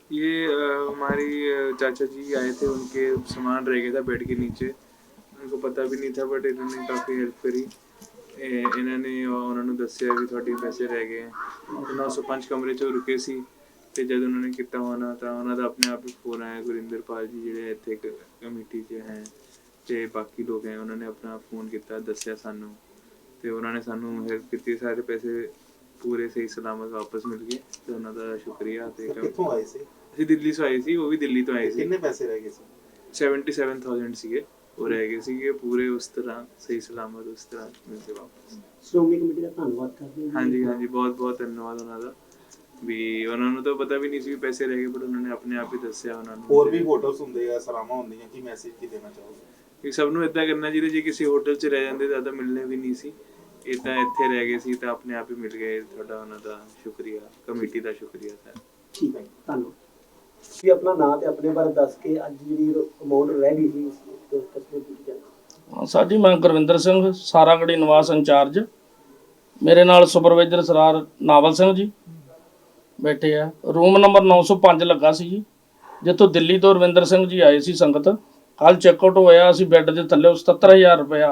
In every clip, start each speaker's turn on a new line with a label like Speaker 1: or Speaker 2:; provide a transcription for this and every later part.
Speaker 1: ये हमारी चाचा जी आए थे, उनके सामान रह गया था बेड के नीचे। उनको पता भी नहीं था, बट इन्होंने काफ़ी हेल्प करी। ਇਹਨਾਂ ਨੇ ਉਹਨਾਂ ਨੂੰ ਦੱਸਿਆ ਵੀ ਤੁਹਾਡੇ ਪੈਸੇ ਰਹਿ ਗਏ। 905 ਕਮਰੇ 'ਚ ਰੁਕੇ ਸੀ ਅਤੇ ਜਦ ਉਹਨਾਂ ਨੇ ਕੀਤਾ ਹੋਣਾ ਤਾਂ ਉਹਨਾਂ ਦਾ ਆਪਣੇ ਆਪ ਹੀ ਫੋਨ ਆਇਆ। ਗੁਰਿੰਦਰਪਾਲ ਜੀ ਜਿਹੜੇ ਇੱਥੇ ਇੱਕ ਕਮੇਟੀ 'ਚ ਹੈ ਅਤੇ ਬਾਕੀ ਲੋਕ ਹੈ, ਉਹਨਾਂ ਨੇ ਆਪਣਾ ਫ਼ੋਨ ਕੀਤਾ, ਦੱਸਿਆ ਸਾਨੂੰ ਅਤੇ ਉਹਨਾਂ ਨੇ ਸਾਨੂੰ ਹੈਲਪ ਕੀਤੀ। ਸਾਰੇ ਪੈਸੇ ਪੂਰੇ ਸਹੀ ਸਲਾਮਤ ਵਾਪਸ ਮਿਲ ਗਏ ਅਤੇ ਉਹਨਾਂ ਦਾ ਸ਼ੁਕਰੀਆ। ਅਤੇ
Speaker 2: ਕਿੱਥੋਂ ਆਏ ਸੀ?
Speaker 1: ਅਸੀਂ ਦਿੱਲੀ ਤੋਂ ਆਏ ਸੀ, ਉਹ ਵੀ ਦਿੱਲੀ ਤੋਂ ਆਏ ਸੀ।
Speaker 2: ਕਿੰਨੇ ਪੈਸੇ ਰਹਿ ਗਏ ਸੀ?
Speaker 1: 77,000 ਸੀਗੇ, ਉਹ ਰਹਿ ਗਏ ਸੀਗੇ ਪੂਰੇ ਉਸ ਤਰ੍ਹਾਂ ਸਹੀ ਸਲਾਮਤ ਉਸ ਤਰ੍ਹਾਂ ਮਿਲ ਕੇ ਵਾਪਸ।
Speaker 3: ਸ਼੍ਰੋਮਣੀ ਕਮੇਟੀ ਦਾ ਧੰਨਵਾਦ ਕਰਦੇ ਹਾਂ।
Speaker 1: ਹਾਂਜੀ ਹਾਂਜੀ, ਬਹੁਤ ਬਹੁਤ ਧੰਨਵਾਦ ਉਹਨਾਂ ਦਾ। ਵੀ ਉਹਨਾਂ ਨੂੰ ਤਾਂ ਪਤਾ ਵੀ ਨਹੀਂ ਸੀ ਵੀ ਪੈਸੇ ਰਹਿ ਗਏ, ਬਟ ਉਹਨਾਂ ਨੇ ਆਪਣੇ ਆਪ ਹੀ ਦੱਸਿਆ ਉਹਨਾਂ ਨੂੰ।
Speaker 2: ਹੋਰ ਵੀ ਹੋਟਲਸ ਹੁੰਦੇ ਆ, ਸਰਾਵਾਂ ਹੁੰਦੀਆਂ, ਕੀ ਮੈਸੇਜ ਕੀ ਦੇਣਾ ਚਾਹੋਗੇ?
Speaker 1: ਵੀ ਸਭ ਨੂੰ ਇੱਦਾਂ ਕਰਨਾ ਚਾਹੀਦਾ। ਜੇ ਕਿਸੇ ਹੋਟਲ 'ਚ ਰਹਿ ਜਾਂਦੇ ਤਾਂ ਮਿਲਣੇ ਵੀ ਨਹੀਂ ਸੀ, ਇਹ ਤਾਂ ਇੱਥੇ ਰਹਿ ਗਏ ਸੀ ਤਾਂ ਆਪਣੇ ਆਪ ਹੀ ਮਿਲ ਗਏ। ਤੁਹਾਡਾ ਉਹਨਾਂ ਦਾ ਸ਼ੁਕਰੀਆ, ਕਮੇਟੀ ਦਾ ਸ਼ੁਕਰੀਆ ਸਰ।
Speaker 3: ਠੀਕ ਹੈ, ਧੰਨਵਾਦ। ਵੀ ਆਪਣਾ ਨਾਂ ਤੇ ਆਪਣੇ ਬਾਰੇ ਦੱਸ ਕੇ ਅੱਜ ਜਿਹੜੀ ਅਮਾਉਂਟ ਰਹਿ ਗਈ ਸੀ ਤਸਵੀਰ ਦਿੱਤੀ ਜਾਵੇ।
Speaker 4: ਸਰ ਜੀ, ਮੈਂ ਗੁਰਵਿੰਦਰ ਸਿੰਘ, ਸਾਰਾਗੜੀ ਨਿਵਾਸ ਇੰਚਾਰਜ। ਮੇਰੇ ਨਾਲ ਸੁਪਰਵਾਈਜ਼ਰ ਸਰਾਰ ਨਾਵਲ ਸਿੰਘ ਜੀ ਬੈਠੇ ਆ। ਰੂਮ ਨੰਬਰ 905 ਲੱਗਾ ਸੀ ਜੀ, ਜਿੱਥੋਂ ਦਿੱਲੀ ਤੋਂ ਰਵਿੰਦਰ ਸਿੰਘ ਜੀ ਆਏ ਸੀ ਸੰਗਤ। ਕੱਲ੍ਹ ਚੈੱਕਆਊਟ ਹੋਇਆ, ਅਸੀਂ ਬੈੱਡ ਦੇ ਥੱਲੇ 77,000 ਰੁਪਇਆ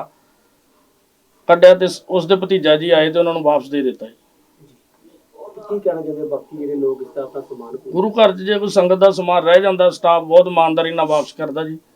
Speaker 4: ਕੱਢਿਆ ਅਤੇ ਉਸ ਦੇ ਭਤੀਜਾ ਜੀ ਆਏ ਅਤੇ ਉਹਨਾਂ ਨੂੰ ਵਾਪਸ ਦੇ ਦਿੱਤਾ ਜੀ।
Speaker 3: ਕੀ ਕਹਿਣਾ ਚਾਹੁੰਦੇ ਬਾਕੀ ਜਿਹੜੇ ਲੋਕ ਇਸ ਦਾ ਆਪਣਾ ਸਮਾਨ?
Speaker 4: ਗੁਰੂ ਘਰ 'ਚ ਜੇ ਕੋਈ ਸੰਗਤ ਦਾ ਸਮਾਨ ਰਹਿ ਜਾਂਦਾ, ਸਟਾਫ ਬਹੁਤ ਇਮਾਨਦਾਰੀ ਨਾਲ ਵਾਪਸ ਕਰਦਾ ਜੀ।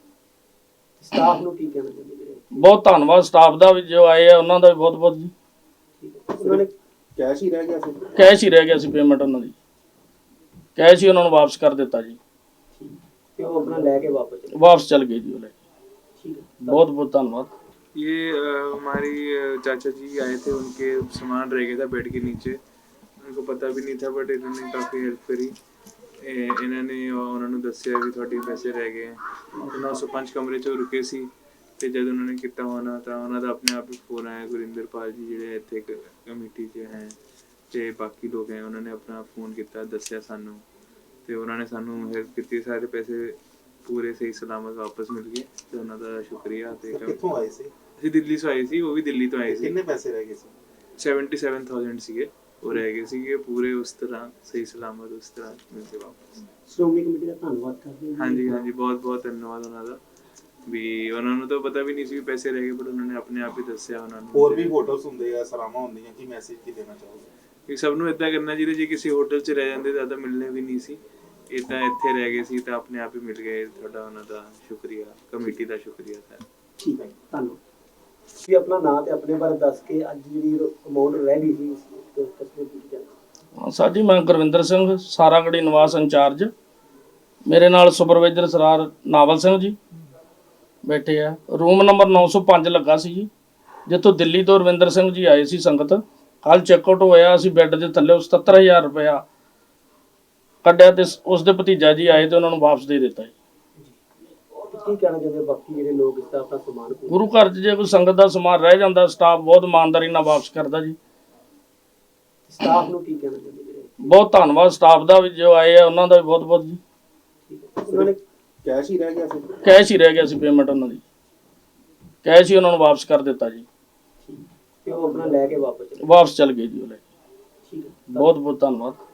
Speaker 3: ਸਟਾਫ ਨੂੰ ਕੀ ਕਹਿਣਾ ਚਾਹੁੰਦੇ?
Speaker 4: ਬਹੁਤ ਧੰਨਵਾਦ ਸਟਾਫ ਦਾ ਵੀ, ਜੋ ਆਏ ਆ ਉਹਨਾਂ ਦਾ ਵੀ ਬਹੁਤ ਬਹੁਤ ਜੀ।
Speaker 3: ਉਹਨਾਂ ਨੇ
Speaker 2: ਕੈਸ਼ ਹੀ ਰਹਿ ਗਿਆ ਸੀ?
Speaker 4: ਕੈਸ਼ ਹੀ ਰਹਿ ਗਿਆ ਸੀ, ਪੇਮੈਂਟ ਉਹਨਾਂ ਦੀ ਕੈਸ਼ ਹੀ ਉਹਨਾਂ ਨੂੰ ਵਾਪਸ ਕਰ ਦਿੱਤਾ ਜੀ।
Speaker 3: ਤੇ ਉਹ ਆਪਣਾ ਲੈ ਕੇ
Speaker 4: ਵਾਪਸ ਚਲ ਗਏ ਜੀ ਉਹ ਲੈ ਕੇ।
Speaker 3: ਠੀਕ ਹੈ,
Speaker 4: बहुत बहुत धन्यवाद।
Speaker 1: ये हमारी चाचा जी आए थे, उनके सामान रह गया था बेड के नीचे। उनको पता भी नहीं था, बट इन्होंने काफ़ी हेल्प करी। ਇਹਨਾਂ ਨੇ ਉਹਨਾਂ ਨੂੰ ਦੱਸਿਆ ਵੀ ਤੁਹਾਡੇ ਪੈਸੇ ਰਹਿ ਗਏ। 905 ਕਮਰੇ 'ਚ ਰੁਕੇ ਸੀ ਅਤੇ ਜਦ ਉਹਨਾਂ ਨੇ ਕੀਤਾ ਹੋਣਾ ਤਾਂ ਉਹਨਾਂ ਦਾ ਆਪਣੇ ਆਪ ਹੀ ਫੋਨ ਆਇਆ। ਗੁਰਿੰਦਰਪਾਲ ਜੀ ਜਿਹੜੇ ਇੱਥੇ ਇੱਕ ਕਮੇਟੀ 'ਚ ਹੈ ਅਤੇ ਬਾਕੀ ਲੋਕ ਹੈ, ਉਹਨਾਂ ਨੇ ਆਪਣਾ ਫ਼ੋਨ ਕੀਤਾ, ਦੱਸਿਆ ਸਾਨੂੰ ਅਤੇ ਉਹਨਾਂ ਨੇ ਸਾਨੂੰ ਹੈਲਪ ਕੀਤੀ। ਸਾਰੇ ਪੈਸੇ ਪੂਰੇ ਸਹੀ ਸਲਾਮਤ ਵਾਪਸ ਮਿਲ ਗਏ ਅਤੇ ਉਹਨਾਂ ਦਾ ਸ਼ੁਕਰੀਆ। ਅਤੇ
Speaker 2: ਕਿੱਥੋਂ ਆਏ ਸੀ?
Speaker 1: ਅਸੀਂ ਦਿੱਲੀ ਤੋਂ ਆਏ ਸੀ, ਉਹ ਵੀ ਦਿੱਲੀ ਤੋਂ ਆਏ ਸੀ।
Speaker 2: ਕਿੰਨੇ ਪੈਸੇ ਰਹਿ ਗਏ ਸੀ?
Speaker 1: 77,000 ਸੀਗੇ, ਉਹ ਰਹਿ ਗਏ ਸੀਗੇ ਪੂਰੇ ਉਸ ਤਰ੍ਹਾਂ ਸਹੀ ਸਲਾਮਤ ਉਸ ਤਰ੍ਹਾਂ ਮਿਲ ਕੇ ਵਾਪਸ।
Speaker 3: ਸ਼੍ਰੋਮਣੀ ਕਮੇਟੀ ਦਾ ਧੰਨਵਾਦ ਕਰਦੇ ਹਾਂ।
Speaker 1: ਹਾਂਜੀ ਹਾਂਜੀ, ਬਹੁਤ ਬਹੁਤ ਧੰਨਵਾਦ ਉਹਨਾਂ ਦਾ। ਵੀ ਉਹਨਾਂ ਨੂੰ ਤਾਂ ਪਤਾ ਵੀ ਨਹੀਂ ਸੀ ਵੀ ਪੈਸੇ ਰਹਿ ਗਏ, ਬਟ ਉਹਨਾਂ ਨੇ ਆਪਣੇ ਆਪ ਹੀ ਦੱਸਿਆ ਉਹਨਾਂ ਨੂੰ।
Speaker 2: ਹੋਰ ਵੀ ਹੋਟਲਸ ਹੁੰਦੇ ਆ, ਸਰਾਵਾਂ ਹੁੰਦੀਆਂ, ਕੀ ਮੈਸੇਜ ਕੀ ਦੇਣਾ ਚਾਹੋਗੇ?
Speaker 1: ਵੀ ਸਭ ਨੂੰ ਇੱਦਾਂ ਕਰਨਾ ਚਾਹੀਦਾ। ਜੇ ਕਿਸੇ ਹੋਟਲ 'ਚ ਰਹਿ ਜਾਂਦੇ ਤਾਂ ਮਿਲਣੇ ਵੀ ਨਹੀਂ ਸੀ, ਇਹ ਤਾਂ ਇੱਥੇ ਰਹਿ ਗਏ ਸੀ ਤਾਂ ਆਪਣੇ ਆਪ ਹੀ ਮਿਲ ਗਏ। ਤੁਹਾਡਾ ਉਹਨਾਂ ਦਾ ਸ਼ੁਕਰੀਆ, ਕਮੇਟੀ ਦਾ ਸ਼ੁਕਰੀਆ ਸਰ।
Speaker 3: ਠੀਕ ਹੈ, ਧੰਨਵਾਦ। ਵੀ ਆਪਣਾ ਨਾਂ ਤੇ ਆਪਣੇ ਬਾਰੇ ਦੱਸ ਕੇ ਅੱਜ ਜਿਹੜੀ ਅਮਾਉਂਟ ਰਹਿ ਗਈ ਸੀ ਤਸਵੀਰ ਦਿੱਤੀ ਜਾਵੇ।
Speaker 4: ਸਰ ਜੀ, ਮੈਂ ਗੁਰਵਿੰਦਰ ਸਿੰਘ, ਸਾਰਾਗੜੀ ਨਿਵਾਸ ਇੰਚਾਰਜ। ਮੇਰੇ ਨਾਲ ਸੁਪਰਵਾਈਜ਼ਰ ਸਰਾਰ ਨਾਵਲ ਸਿੰਘ ਜੀ ਬੈਠੇ ਆ। ਰੂਮ ਨੰਬਰ 905 ਲੱਗਾ ਸੀ ਜੀ, ਜਿੱਥੋਂ ਦਿੱਲੀ ਤੋਂ ਰਵਿੰਦਰ ਸਿੰਘ ਜੀ ਆਏ ਸੀ ਸੰਗਤ। ਕੱਲ੍ਹ ਚੈੱਕਆਊਟ ਹੋਇਆ, ਅਸੀਂ ਬੈੱਡ ਦੇ ਥੱਲੇ 77,000 ਰੁਪਇਆ ਕੱਢਿਆ ਅਤੇ ਉਸ ਦੇ ਭਤੀਜਾ ਜੀ ਆਏ ਅਤੇ ਉਹਨਾਂ ਨੂੰ ਵਾਪਸ ਦੇ ਦਿੱਤਾ ਜੀ।
Speaker 3: ਕੀ ਕਹਿਣਾ ਚਾਹੁੰਦੇ ਬਾਕੀ ਜਿਹੜੇ ਲੋਕ ਇਸ ਦਾ ਆਪਣਾ ਸਮਾਨ?
Speaker 4: ਗੁਰੂ ਘਰ 'ਚ ਜੇ ਕੋਈ ਸੰਗਤ ਦਾ ਸਮਾਨ ਰਹਿ ਜਾਂਦਾ, ਸਟਾਫ ਬਹੁਤ ਇਮਾਨਦਾਰੀ ਨਾਲ ਵਾਪਸ ਕਰਦਾ ਜੀ।
Speaker 3: ਸਟਾਫ ਨੂੰ ਕੀ ਕਹਿਣਾ ਚਾਹੁੰਦੇ?
Speaker 4: ਬਹੁਤ ਧੰਨਵਾਦ ਸਟਾਫ ਦਾ ਵੀ, ਜੋ ਆਏ ਆ ਉਹਨਾਂ ਦਾ ਵੀ ਬਹੁਤ ਬਹੁਤ ਜੀ।
Speaker 3: ਉਹਨਾਂ ਨੇ
Speaker 2: ਕੈਸ਼ ਹੀ ਰਹਿ ਗਿਆ ਸੀ?
Speaker 4: ਕੈਸ਼ ਹੀ ਰਹਿ ਗਿਆ ਸੀ, ਪੇਮੈਂਟ ਉਹਨਾਂ ਦੀ ਕੈਸ਼ ਹੀ ਉਹਨਾਂ ਨੂੰ ਵਾਪਸ ਕਰ ਦਿੱਤਾ ਜੀ।
Speaker 3: ਤੇ ਉਹ ਆਪਣਾ ਲੈ ਕੇ
Speaker 4: ਵਾਪਸ ਚਲ ਗਏ ਜੀ ਉਹ ਲੈ ਕੇ।
Speaker 3: ਠੀਕ ਹੈ,
Speaker 4: ਬਹੁਤ ਬਹੁਤ ਧੰਨਵਾਦ।